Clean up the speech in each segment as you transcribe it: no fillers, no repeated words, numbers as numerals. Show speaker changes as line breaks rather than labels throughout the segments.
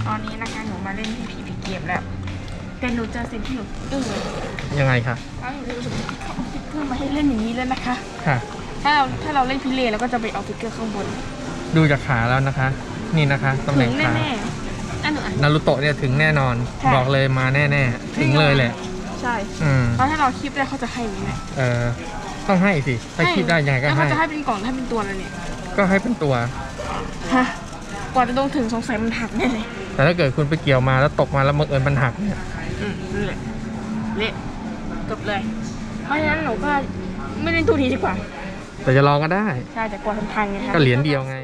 ตอนนี้นะคะหนูมาเล่นที่พีพีเกมแล้วแต่หนูเจอสิ่งที่หนูอึ้งเลย
ยังไงคะ
แล้วหนูรู้สึกว่าเขาเอาฟิกเกอร์มาให้เล่นอย่างนี้เลยนะคะ
ค่ะ
ถ้าเราเล่นพิเรนเราก็จะไปเอาฟิกเกอร์ข้างบน
ดูจากขาแล้วนะคะ นี่นะคะตำแห
ถึ
น่ง
ง
ขา
แน่ๆอันหนู
นารูโตะเนี่ยถึงแน่นอน
ใช่
บอกเลยมาแน่ๆถึงเลยแหละ
ใช่
เพ
เพราะถ้าเราคลิปได้เขาจะให้ไหมเนี่ย
ต้องให้สิถ้าคิดได้ยังไงก็
แล้ว
ให้
เขาจะให้เป็นกล่องให้เป็นตัวแล้วเนี่ย
ก็ให้เป็นตัว
ฮะกว่าจะลงถึงสงสัยมันหักแน่เลย
แต่ถ้าเกิดคุณไปเกี่ยวมาแล้วตกมาแล้วบังเอิญมันหักเนี่ย
นี่แหละเละจบเลย เพราะฉะนั้นหนูก็ไม่เล่นตัวนี้ดีกว่า
แต่จะลองก็ได้
ใช่แต่กลัวมันพังไงครับ
ก็เหรียญเดียวไง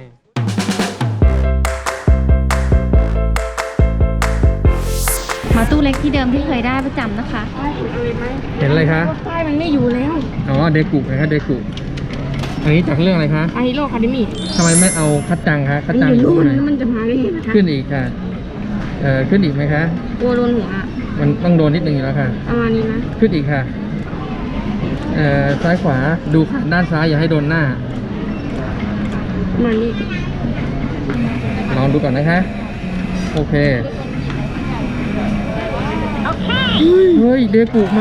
มาตู้เล็กที่เดิมที่เคยได้ประจำนะคะ
ป้ายเห็นอะไรไหม
เห็นอะไรคะ
ว่าป้ายมันไม่อยู่แล้ว
อ๋อเดกุนะครับเดกุอันนี้จากเรื่องอะไรคะ
อาฮิโร่คาเดมี่
ทำไมไม่เอาคัดจังคะคัดจัง
ไม่
อยู่
รู้
ตรงไหน
นะมันจะมาได้ไงนะคะ
ขึ้นอีกค่ะขึ้นอีกไหมคะ
กลัวโดนหัวอะ
มันต้องโดนนิดนึงอยู่แล้วค่ะ
ประมาณนี้นะ
ขึ้นอีกค่ะซ้ายขวาดูขาด้านซ้ายอย่าให้โดนหน้า
ประมาณนี้
ลองดูก่อนนะคะ โอเคเฮ้ยเดกุมา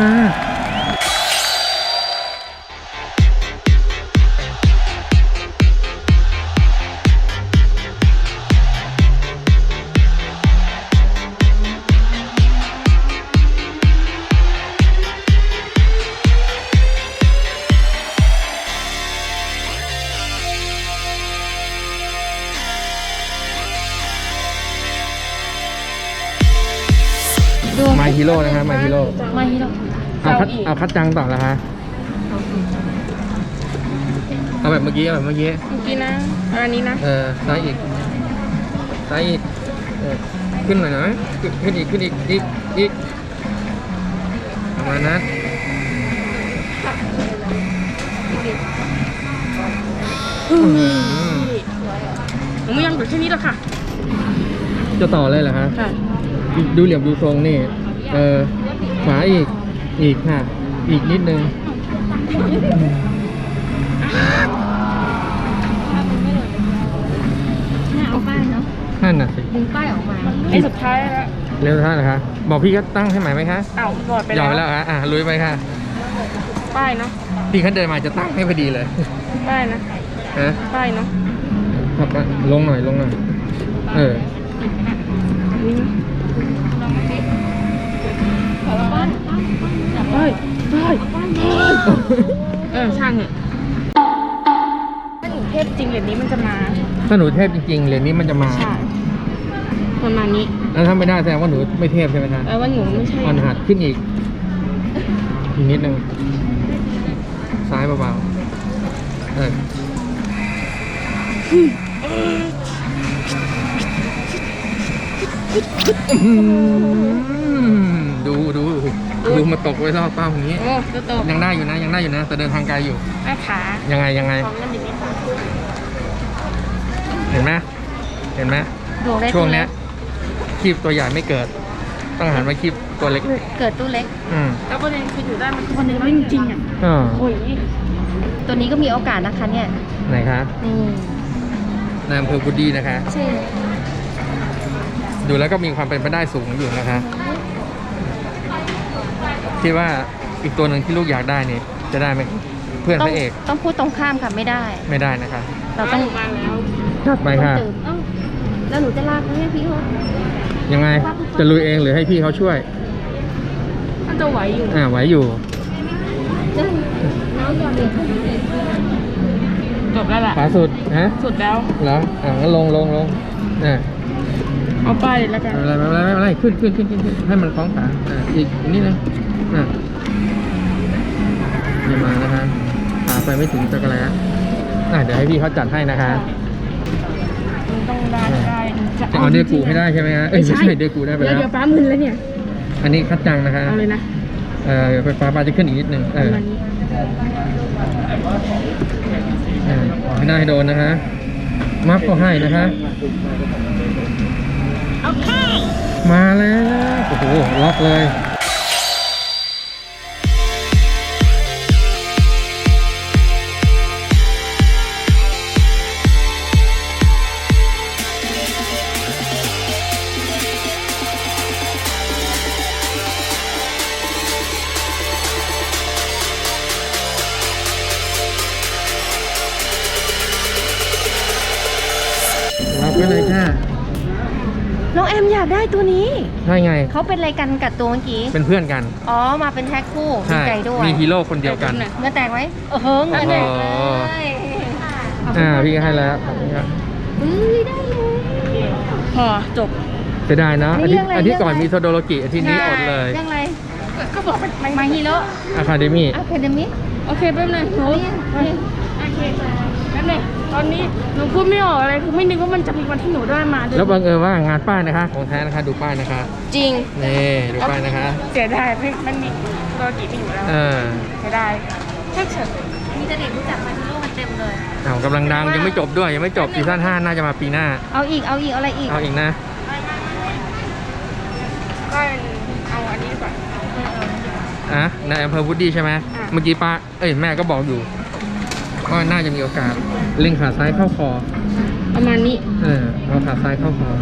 ดู
มาฮีโร่นะคะมาฮีโร่
มาฮีโร่
เอาคัดจังต่อแล้วคะเอาแบบเมื่อกี้เอาแบบเมื่อกี้
เมื่อกี้นะอันนี้นะ
ซ้ายอีกซ้ายอีกขึ้นหน่อยนะขึ้นอีกอีกประมาณนั้น
หนูไม่ยอมอยู่แค่นี้หรอกค่ะ
จะต่อเลยเหรอคะ
ค่ะ
ดูเหลี่ยมดูทรงนี่ขวาอีกค่ะ อีกนิดนึง
เนี่ยเอาป้ายเนาะ
นั่นน่ะสิ
ดึงป้ายออกมา
ไอ้สุดท้ายแล้ว
เร็วท่านนะคะบอกพี่ก็ตั้งให้ใหม่ไหมคะ
อ้าวหลอดไป
ยอมไป
แล้
แล้ว วคะลุยไปค่ะ
ป้ายเนาะ
พี่เขาเดินมาจะตั้งให้พอดีเลย
ป้ายนะ
ฮะ
ป้ายเนาะ
ขับมาลงหน่อย
นี่นะป้ายช่างเหอะถ้าหนูเทพจริงเหรียญนี้มันจะมา
ถ้าหนูเทพจริงๆเหรียญนี้มันจะมา
ใช่ประมาณนี้
แล้วถ้าไม่ได้แสดงว่าหนูไม่เทพใช่ไหมคะ
แปลว่าหนูไม่ใช่
อ่อนหัดขึ้นอีกนิดนึงซ้ายเบาๆดูมาตกไว้รอบเป้าอย่างนี้
โอ้ตัวโต
ยังได้อยู่นะแต่เดินทางไกลอยู่
แม่ขา
ยังไง
ของเงินอย่างนี้ค่ะ
เห็นไหม
ดวงเล็ก
ช่วงเนี้ยคีบตัวใหญ่ไม่เกิด ต้องหันมาคีบตัวเล็ก
เกิดตู้เล็ก
แล้วประเด็นคืออยู่ได้มันคนหนึ่งไม่จริงๆอ่ะ โอ้ย
ตัวนี้ก็มีโอกาสนะคะเนี่ย
ไหนคะ
นี่
นายอำเภอกุดีนะคะ
ใช่
ดูแล้วก็มีความเป็นไปได้สูงอยู่นะคะ คิดว่าอีกตัวหนึ่งที่ลูกอยากได้นี่จะได้ไหมเพื่อนพระเอก
ต้องพูดตรงข้ามค่ะไม่ได้
ไม่ได้นะคะ
เราต้อง
มาแล้ว
จัดไปค่ะ
ตื่นแล้วหนูจะลากไหมพี่เขา
ยังไงจะลุยเองหรือให้พี่เขาช่วย
มันจะไหวอยู่
ไหวอยู่
น้องยอมเด็ก
จบแล้วแหละ
ขวาสุดฮะ
สุดแล้ว
เหรองั้นลงอ่า
เอาป้ายเลยแล้วกัน
ไม่เป็นไรขึ้นให้มันคล้องขาอีกนิดนึงนี่มานะคะขาไปไม่ถึงจักรแล้วเดี๋ยวให้พี่เขาจัดให้นะคะ
มันต้องได้จะ
จะเอาเดกูให้ได้ใช่ไหมฮะไม่ใช่เดกูได้ไปแล้ว
เดี๋ยวป้ามึนแล้วเนี่ย
อันนี้คัดจังนะคะ
เอาเลยนะ
ไฟฟ้าจะขึ้นอีกนิดนึง
ประมาณนี้
ให้ได้โดนนะคะมัฟก็ให้นะคะมาแล้วโอ้โหล็อกเลย
น้องแอมอยากได้ตัวนี้
ใช่ไง
เขาเป็นอะไรกันกับตัวเมื่อกี้
เป็นเพื่อนกัน
อ๋อ มาเป็นแท็กคู่ดี
ใช่
ใจด้วย
มีฮีโร่คนเดียวกัน
เงินแตกไหมเออเงินแตกเลย
พี่ก็ให้แล้วขอบคุณครับ
เฮ้ยได้เลย
พอจบ
จะได้นะ
นี่
อา
เรื่
ทิต
อง
ย์
อะไร
อาทิตย์ก่อน
เรื่องอะไร
มีโซโดโลกิอาทิตย์นี้อดเลย
เรื่องอะไร
ก็บอกเป็น
มาฮีโร่
อะคาเดมี่
อะคาเดมี่
โอเคแป๊บนึงหนูโอเคแป๊บนึงตอนนี้หนูพูดไม่ออกอะไรคือไม่นึกว่ามันจะมีวันที่หนูได้มาด้วย
แล้วบังเอิญว่างานป้ายนะคะ ของแท้นะคะ ดูป้ายนะคะ
จริง
นี่ดูป้ายนะคะ
เสียดายมันมีตัวกี่ปีอยู่แล้ว
เออ
เสียดายแค่เฉิน
มีแต่เด็กรู้จักมาฮีโร่กันเต็มเลย
เอากำลังดังยังไม่จบด้วยยังไม่จบซีซั่น5น่าจะมาปีหน้า
เอาอีก เอาอะไรอีก
เอาอีกนะ
ก็เอาอันนี้ดีกว่า
อ่ะในอำเภอวูดดี้ใช่ไหม
อ่ะ
เมื่อกี้ป้าแม่ก็บอกอยู่ว่าน่าจะมีโอกาสเล็งขาซ้ายเข้าคอ
ประมาณนี้
เอาขาซ้ายเข้าคอ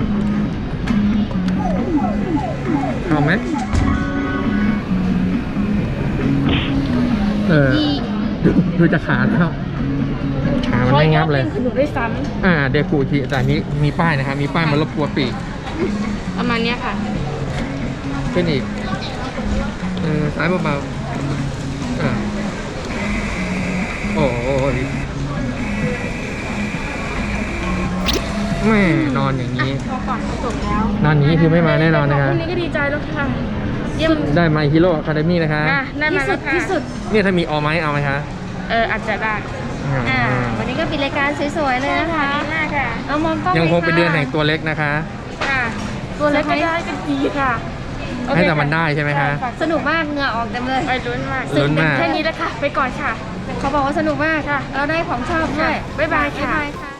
เข้าไหมดูจะขาดแล้วขามันไม่งับเลย
คือหนูได้ซ้
เดกูทีแต่นี้มีป้ายนะครับมีป้ายมารบกวนปีก
ำประมาณเนี้ยค่ะ
ขึ้นอีกซ้ายเบาๆโอ้ยแม่นอนอย่างนี้
พอก่อนจบแล้ว
นอนอย่างนี้คือไม่มาแน่นอนนะคะ
พรุ่งนี้ก็ดีใจแล้วค่ะเยี่ยม
ได้มาฮีโร่อะคาเดมี่นะคะ
ได้มาแล้วค่ะ
ที่สุด
เนี่ยถ้ามีออไหมเอาไหมคะ
อาจจะได้
วันนี้ก็ปิดรายการสวยๆเลยนะคะ
ดีมากค่ะ
เอามองกล้อง
ยังคง
ลย
เป็นเดือนแห่งตัวเล็กนะคะ
ค่ะ ตัวเล็กก็ได้ก็ดีค่ะ
ให้แต่มันได้ใช่ไหมคะ
สนุกมากเหงื่อออกเต็มเลย
ไปลุ้นมาก
ลุ้นมาก
แค่นี้แล้วค่ะ ไปก่อนค่ะ
เขาบอกว่าสนุกมาก
ค่ะ
เราได้ของชอบด้วย
บ๊ายบายค่ะ
บ๊ายบายค่ะ